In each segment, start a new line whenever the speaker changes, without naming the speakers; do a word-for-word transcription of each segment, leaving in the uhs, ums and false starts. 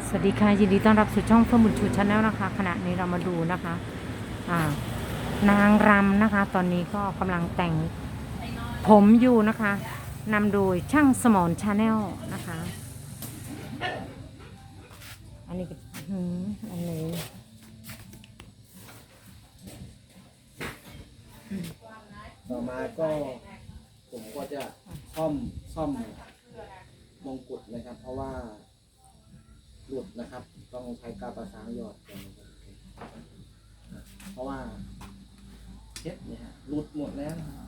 สวัสดีค่ะยินดีต้อนรับสู่ช่องเฟื่องบุญชูชาแนลนะคะขณะนี้เรามาดูนะคะอ่านางรำนะคะ ตอนนี้ก็กำลังแต่งผมอยู่นะคะนำโดยช่างสมรชาแนลนะคะ อันนี้ก็หืมอันนี้
ต่อมาก็ผมก็จะซ่อมซ่อมมงกุฎนะครับ เพราะว่าหลุดนะครับ ต้องใช้กาวประสานหยอดก่อนนะครับเพราะว่าเช็ดเนี่ยฮะหลุดหมดแล้วนะครับ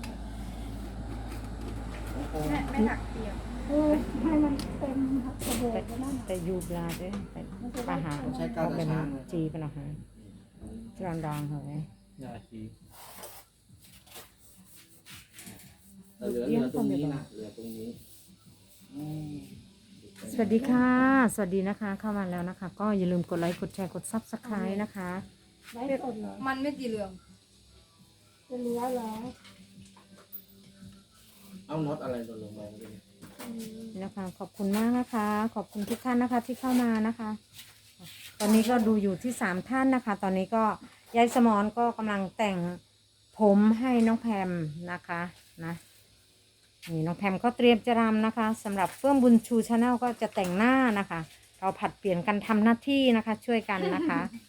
โอ้โห
ไม่ไม่หักเปียก
เออให้มันเต็มกระโดดก็ได้
แต่ยูบลาด้วยแต่ปาหา
ผมใช้กาวประ
เป็น
สานเลย
จีเป็นหรอคะจรอนดองเหรอย
าชีแต่เหลือเหลือตรงนี้นะเหลือตรงนี้อืม
สวัสดีค่ะ สวัสดีนะคะ เข้ามาแล้วนะคะ ก็อย่าลืมกดไลค์กดแชร์กดซับสไครต์นะคะ
ไร้สดเหรอ
มันไม่สีเหลือง
จะเหลือเหรอ
เอาน็อตอะไรหล่นลงมาเลย
อืม
นี่นะคะขอบคุณมากนะคะ ขอบคุณทุกท่านนะคะที่เข้ามานะคะ ตอนนี้ก็ดูอยู่ที่สามท่านนะคะ ตอนนี้ก็ยายสมรก็กำลังแต่งผมให้น้องแพมนะคะนะนี่น้องแพมก็เตรียมจะรำนะคะสำหรับเฟื่องบุญชูชาแนลก็จะแต่งหน้านะคะ เราผัดเปลี่ยนกันทำหน้าที่นะคะ ช่วยกันนะคะ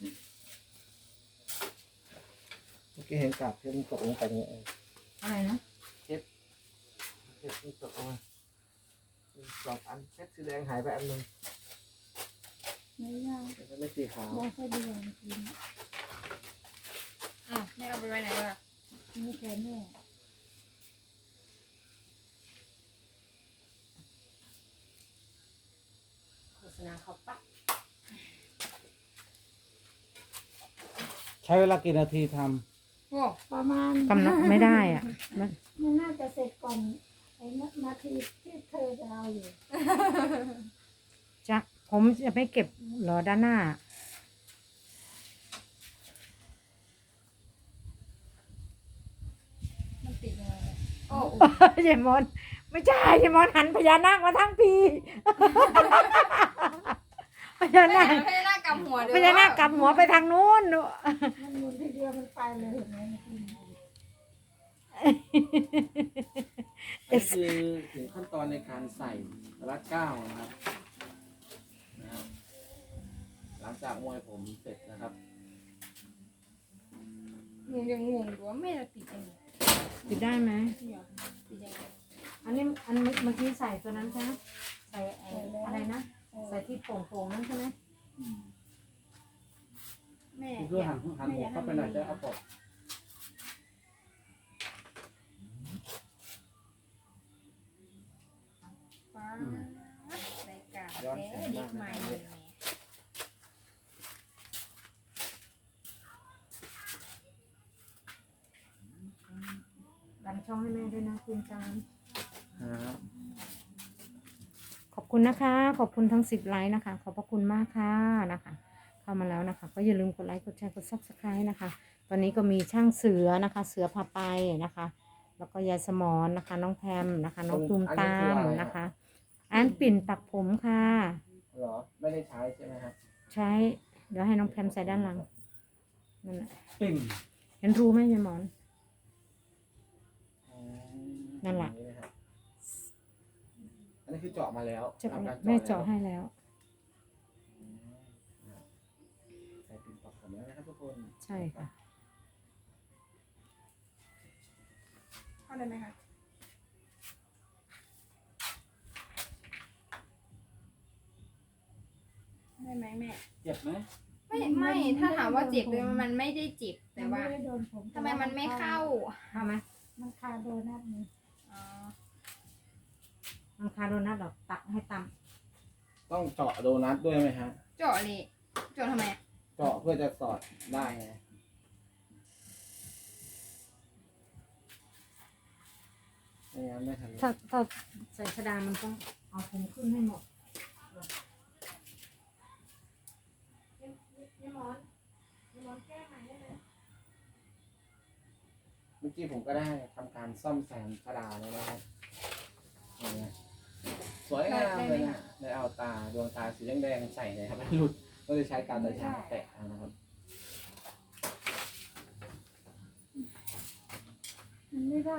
เมื่อกี้เห็นกาบเพื่อนตกลงไปเนี่ยเออ
อะไรนะ
เช็ดเช็ดที่ตกลงมาสองอันเช็ดสีแดงหายไปอันหนึง
ไม่ยาก
แต่ไม่สีขาว
ได้แค่เดียวจริง
อ่ะแม่เอาไปไว้ไหนวะ
ๆนี่แค่นี้
โฆษณาเขาปะ
ใช้เวลากี่นาทีท
โอ้
ประมาณ
กำหนดไม่ได้อ่ะมัน
มันน่าจะเสร็จก่อนไอ้นาทีที่เธอจะเอาอยู่
จะผมจะไม่เก็บเหรอด้านหน้า
มันติดยังไงเนี่ยโอ้
ยายมอนไม่ใช่ยายมอนหันพญานาคมาทั้งปี พญา
ไม่
นาค
ไม่ได้หน้ากำหัวเดี๋ยว
พญานาคกลับหัวไปทางนู้น
มันหมุนทีเดียวมันไปเลยเห็นไหมเมื่อกี้
ำนี่คือถึงขั้นตอนในการใส่รัดเก้านะครับนะครับ หลังจากมวยผมเสร็จนะครับ
งงยังงงอยู่ว่าแม่จะติดยังไง
ติดได้ไหม
เดี๋ยวติดยังไง
อันนี้อันเมื่อกี้ใส่ตัวนั้นใช่ไหมใส่ไอ้อะไรนะใส่ที่โป่งๆนั่นใช่ไหม
แม่
เพื่อหันหันหัวเข้าไปหน่อยจะเอาปอก
ฟ้ารายการเอ๊ะดิบใหม่เลยแม่
ดันช่องให้แม่ด้วยนะคุณจาน
ครับ
ขอบคุณนะคะ ขอบคุณทั้งสิบไลค์นะคะ ขอบพระคุณมากค่ะนะคะ เข้ามาแล้วนะคะ ก็อย่าลืมกดไลค์กดแชร์กดซับสไครต์นะคะ ตอนนี้ก็มีช่างเสือนะคะ เสือพาไปนะคะ แล้วก็ยายสมอนนะคะ น้องแพมนะคะ น้องตูมตามนะคะ อันปิ่นปักผมค่ะ
เหรอไม่ได้ใช้ใช่ไหมครับ
ใช้เดี๋ยวให้น้องแพมใส่ด้านหลังนั่นแหละ
ปิ่น
เห็นรูไหมยายหมอน นั่นแหละ
อันนี้คือเจาะมาแล้ว
จะ
ทำการ
แม่
แล้ว
เจาะให้แล้ว
ใส่ปิ่นปักผมแล้วนะครับทุกคน
ใช่ค่ะ
เข้าได้ไหมคะได้ไหมแม่
เจ็บไหม
ไม่ไม่ถ้าถามว่าเจ็บเลยมันไม่ได้เจ็บแต่ว่า
นไม่ได้โดนผม
ทำไมมันไม่เข้า
เข้าไหม
มันคาโดนัทนี่
อ๋อ
มันคาโดนัทหรอกตักให้ต
ต้องเจาะโดนัทด้วยไหมฮะ
เจาะเลยเจาะทำไมอะ
เจาะเพื่อจะสอดได้ไงไม่งั้นไม่ทัน
ำถ้าถ้าใส่ชะดามันต้องเอาผมขึ้นให้หมดยายหมอนยายหมอนแก้ใหม่ได้ไหม
เมื่อกี้ผมก็ได้ทำการซ่อมแซมกระดาษแล้วนะครับอย่างเงี้ยสวยงามเลยนะในได้เอาตาดวงตาสีแดงๆใส่นะครับให้หลุดก็เลยใช้การตาช้างแตะเอานะครับ
มันไม่ได้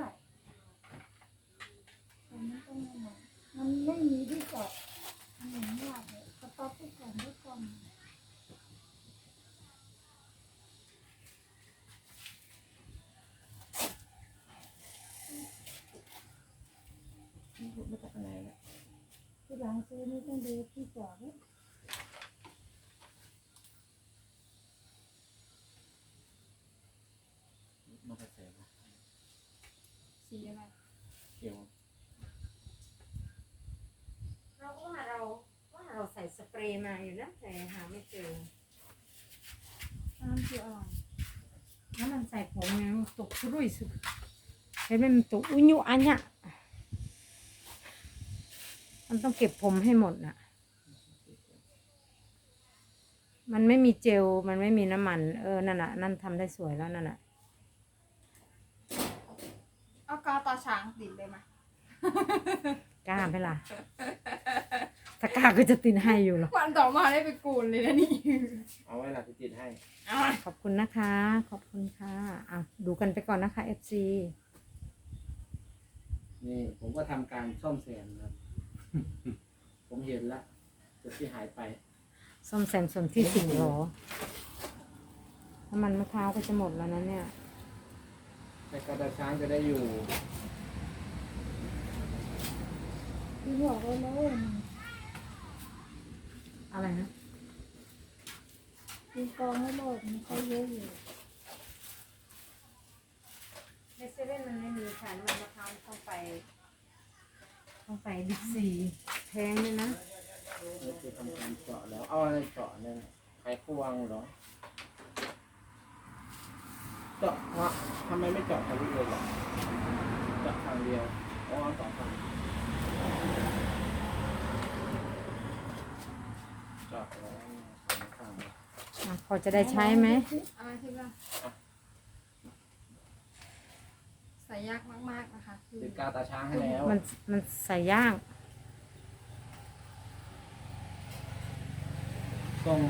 มันไม่ต้องมามันไม่มีที่เจาะมันอย่างยากเลยสต๊อปไปก่อนไว้ก่อน
หลุดมาจากไหนเนี่ย
ที่หลังซื้อนี่ต้องดูที่เจาะด้วย
หลุดมาจากไหนวะ
สีอะไร
เกี่ยว
เราก็ว่าเราว่าเราใส่สเปรย์มาอยู่นะแต่หาไม่เจอ
น้ำคืออะไร
แล้วมันใส่ผมไงมันตกสุรุ่ยสุดเห็นไหมมันตกอุ้ยยุอันเนี้ยมันต้องเก็บผมให้หมดน่ะ มันไม่มีเจลมันไม่มีน้ำมันเออนั่นน่ะนั่นทำได้สวยแล้วนั่นน่ะ
เอากาวตาช้างติดเลยไหม
กล้าไหมล่ะถ้ากล้าก็จะติดให้อยู่หรอก
วันต่อมาได้ไปกูนเลยนะนี่
เอาไว้หลักติดให้
เอา
ขอบคุณนะคะ ขอบคุณค่ะอ่ะดูกันไปก่อนนะคะ เอฟ ซี
นี่ผมก็ทำการซ่อมแซมนะครับ ผมเห็นแล้วจุดที่หายไป
ส้มแซมส่วนที่สิบหรอน้ำมันมะพร้าวก็จะหมดแล้วนะเนี่ย
แต่กระดาษช้างจะได้อยู่
ที่บอกไว้เลย
อะไรนะ
มีกองให้โลดมันก็เยอะอยู่
ในเซเว่นมันไม่มีค่ะน้ำมันมะพร้าวต้องไป ต้องไปบิ๊กซีแพงเลยนะ
เราจะทำการเจาะแล้ว เอาอะไรเจาะเนี่ยไขควงเหรอ เจาะวะทำไมไม่เจาะทะลุเลยล่ะเจาะทางเดียวอ๋อสองทางเจาะแล้วสองทาง
อ่ะพอจะได้ใช้ไหม
อะไรที่ว่าใส่ยากมากๆนะคะคือ
ติดกาวตาช้างให้แล้ว
มันมันใส่ย่าง
ตรงไหม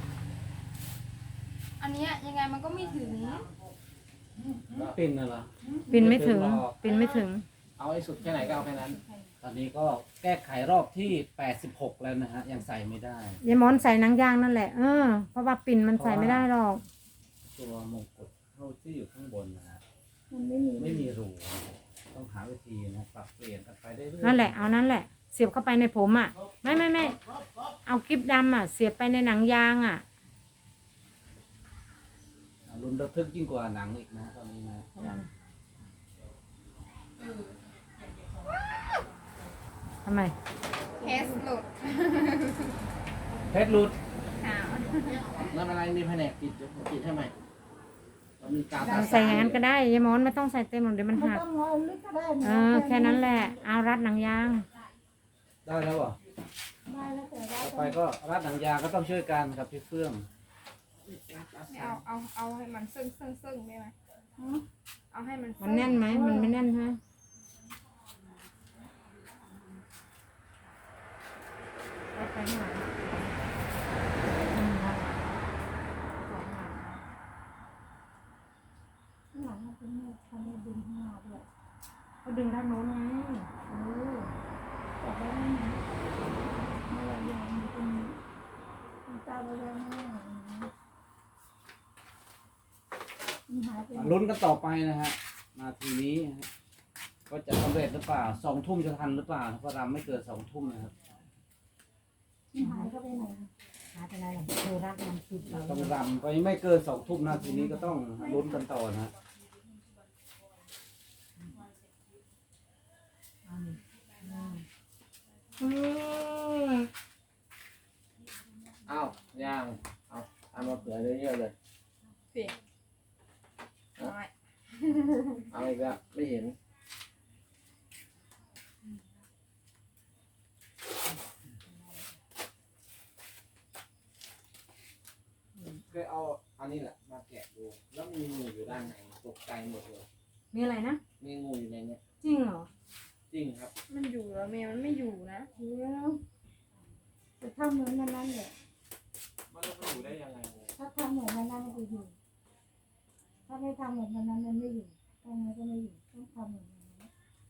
อันเนี้ยยังไงมันก็ไม่ถึง
ปิ่นน่ะเหรอ
ปินไม่ถึง ปินไม่ถึง
เอาให้สุดแค่ไหนก็เอาแค่นั้น
ตอนนี้ก็แก้ไขรอบที่แปดสิบหกแล้วนะฮะ ยังใส่ไม่ได้
ยายมอนใส่หนังยางนั่นแหละ เออ เพราะว่าปิ่นมันใส่ไม่ได้หรอก
ตัวมงกุฎเท่าที่อยู่ข้างบนนะฮะ
มันไม่มี
ไม่มีรูนะครับต้องหาวิธีนะปรับเปลี่ยนกันไปได้เรื่อยๆ
นั่นแหละ เอานั่นแหละ เสียบเข้าไปในผมอ่ะ ไม่ไม่ไม่เอากิ๊บดำอ่ะ เสียบไปในหนังยางอ่ะ
รุนระทึกยิ่งกว่าหนังอีกนะตอนนี้นะ
ทำไม
เคสหลุด
เพชรหลุด
หาว
นั่นอะไรมีแผนกปิดเดี๋ยวผมปิดให้ใหม่เรามีกาวตา
ใส่อย่างนั้นก็ได้ยายมอนไม่ต้องใส่เต็มหรอกเดี๋ยวมัน
ไม่
หัก
ต้องเอาลึกก็ได้นะ
เออ แค่นั้นแหละ เอารัดหนังยาง
ได้แล้วเหรอ
ได้แล้วแต่ว่า
ต่อไปก็รัดหนังยางก็ต้องช่วยกันกับพี่เฟื่อง
ไม่เอาเอาเอาให้มันซึ่งซึ่งซึ่งได้ไหมเอาให้มัน
มันแน่นไหม มันไม่แน่นใช่ไหมเอาไปหน่อยอืมครับ
ข้างหลังมันเป็นเนี่ยทำให้ดึงข้างหน้าด้วย
เขาดึงด้านโน้นไง
เออแต่ว่ามันเมื่อไหร่ยังมันเป็นมันตาไปแล้วนะมันหายไปไหน
ลุ้นกันต่อไปนะฮะนาทีนี้นะฮะก็จะสำเร็จหรือเปล่าสองทุ่มจะทันหรือเปล่าเพราะรำไม่เกินสองทุ่มนะครับ
มันหายเข้าไปไหน
หาไปไหนหรอกเธอรัดมันติดเรา
ต้องรำไปไม่เกินสองทุ่มนาทีนี้ก็ต้องลุ้นกันต่อนะฮะ
อืม
เอาย่างเอาเอามาเผื่อเยอะๆเลย
เปลี่ยนเอาไว้
เอาอีกแล้วไม่เห็นเคยเอาอันนี้แหละมาแกะดูแล้วมีงูอยู่ด้านในตกใจหมดเลย
มีอะไรนะ
มีงูอยู่ในเนี้ย
จริงเหรอ
จริงครับ
มันอยู่แล้วเมย์มันไม่อยู่นะ
เดี๋ยวจะทำเหมือนมันนั่นแหละ
มันจะอยู่ได้ยังไง
ถ้าทำเหมือนมันนั่นมันจะอยู่ ถ้าไม่ทำเหมือนมันนั้นมันไม่อยู่ทำไงก็ไม่อยู่ต้องทำเหมือนมันนั้น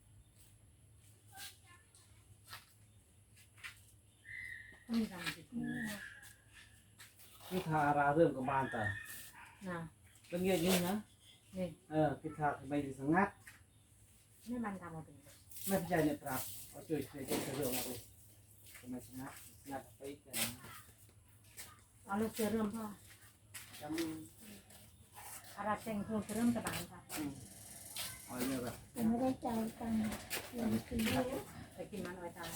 ต้องมีรำจิต
อืม
พิธาราเริ่มกับบานแต่
นะ
ก็เงียบยิ่งนะ
นี่
เออพิธาทำไมถึงสงัด
ไม่มันทำมาเป็น
ไม่พอใจเนี่ยปรับเอาช่วยช่วยช่วยเรื่องมาดูทำไมสงัดสงัดไปกัน
เอาเลยเสือเริ่มพ่อ
จำ
อาราเซงโคเสือเริ่มกระบาลค่ะ
เอาเรื่องแบบ
แต่ไม่ได้ใจายตังค์เรียนฟรี
ไปกินมันไว้ตาม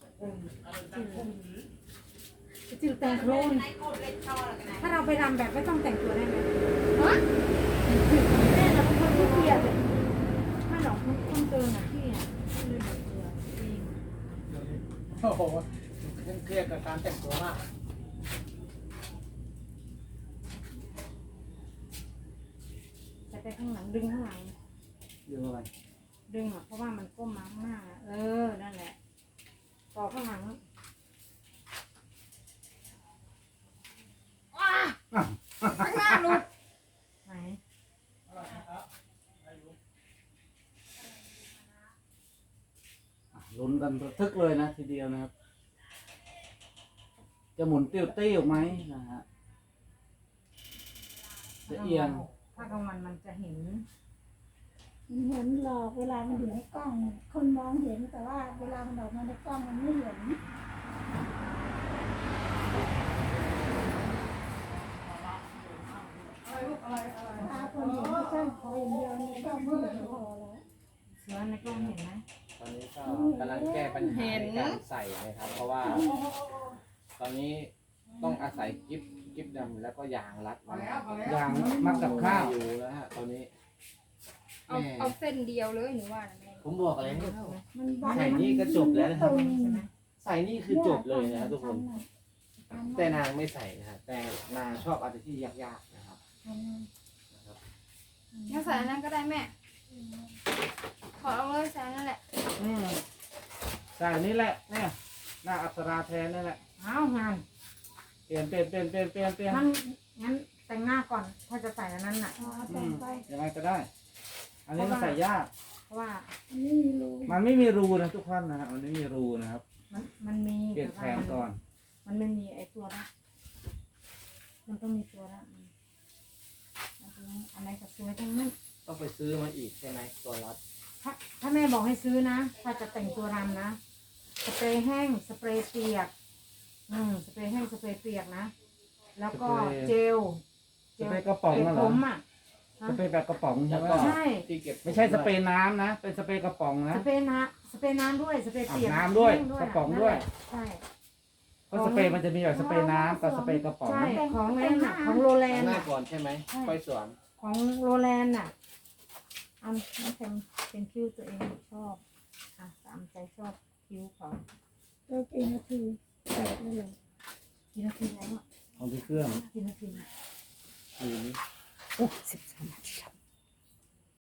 จิ๋วแต่งโครนถ้าเราไปรำแบบไม่ต้องแต่งตัวได้ไหม
แม่เราเป็นคนที่เกียจเลย
ถ้าหลอกต้องเกินอ่ะพี่อ่ะไม่เลยแต่งตัวจริง
โอ้โหยังเครียดกับการแต่งตัวมาก
จะไปข้างหลังดึงข้างหลัง
เรื่องอะไร
ดึงอ่ะเพราะว่ามันก้มมาข้างหน้าอะเออนั่นแหละต่อข้างหลัง
ข้างหน้าหลุด
ไหน
อ่ะลุ้นกันระทึกเลยนะทีเดียวนะครับ จะหมุนติ้วติ้วไหมนะฮะจะเอียง
ถ้ากลางวันมันจะเห็น
มันเห็นหลอกเวลามันอยู่ในกล้อง คนมองเห็นแต่ว่าเวลามันออกมาในกล้องมันไม่เห็นตาคนเห็นแค่ขออย่างเดียวในกล้องไม่เห็นพอแล้ว
เสือในกล้องเห็นไหม
ตอนนี้ก็กำลังแก้ปัญหาในการใส่นะครับ เพราะว่า ตอนนี้ต้องอาศัยกิ๊บกิ๊บดำแล้วก็ยางรัดไว้
ยางมัดกับข้าว
อยู่แล้วฮะตอนนี้
เอาเอาเส้นเดียวเลยหนูว่านะแม่
ผมบอกแล้ว
มันวัด
ใส่นี่ก็จบแล้วนะครับ
ตรง
ใช่ไหม
ใส่นี่คือจบเลยนะครับทุกคน
แต่
แต่นางไม่ใส่นะครับแต่นางชอบอะไรที่ยากๆนะครับ
งั้นใส่อันนั้นก็ได้แม่ถอดเอาเลยใส่อันนั่นแหละ
อืมใส่นี่แหละเนี่ยหน้าอัปราแทนนี่แหละ
เอางาน
เปลี่ยนเปลี่ยนเปลี่ยนเปลี่ยนเปลี่ยนเปลี่ยน
งั้นงั้นแต่งหน้าก่อนถ้าจะใส่อันนั้นน่ะ
อ๋อ
อื
แต่ง
ม
ไป
ยังไงก็ได้ อันนี้มันใส่ยาก
เพราะว่า
อันนี้มีรู
มันไม่มีรูนะทุกท่านนะฮะมันไม่มีรูนะครับ
มันมันมี
เปลี่ยนแผนก่อน
มันไม่มีไอ้ตัวละมันต้องมีตัวละมันต้องอันไหนกับตัวทั้งนั้น
ต้องไปซื้อมาอีกใช่ไหมตัวรัด
ถ้าถ้าแม่บอกให้ซื้อนะ ถ้าจะแต่งตัวรำนะ สเปรย์แห้ง สเปรย์เปียก อืม สเปรย์แห้ง สเปรย์เปียกนะ แล้วก็เจล
สเปรย์กระป๋อง
เก็บ
น่ะเหร
ผ
อ
มอ่ะ
สเปรย์แบบกระป๋องใช่
แล้ว
ไหม
ก็
ใช่
ที่เก็บ
ไม่ใช่สเปรย์น้ำนะ เป็นสเปรย์กระป๋องนะ
สเปรย์น้ำสเปรย์น้ำด้วย สเปรย์เปียก
อาบน้ำด้วย
แห้ง
กระป๋องด้วย
ใช่
เพราะสเปรย์มันจะมีแบบสเปรย์น้ำกับสเปรย์กระป๋อง
ใช่ ของเล่นน่ะ ของโรแลน
หน้า
น่ะ
ก่อนใช่ไหมค่อยสวม
ของโรแลนน่ะอันน้ำเต็มเป็นคิ้วตัวเองชอบ อ่ะตามใจชอบคิ้วเขา
ตัวกี่นาทีแตกเลย
กี่นาทีแล้วอ่ะ
ของที่เครื่อง
กี่นาที
ทีนี้
โอ้สิบสามนาทีแล้ว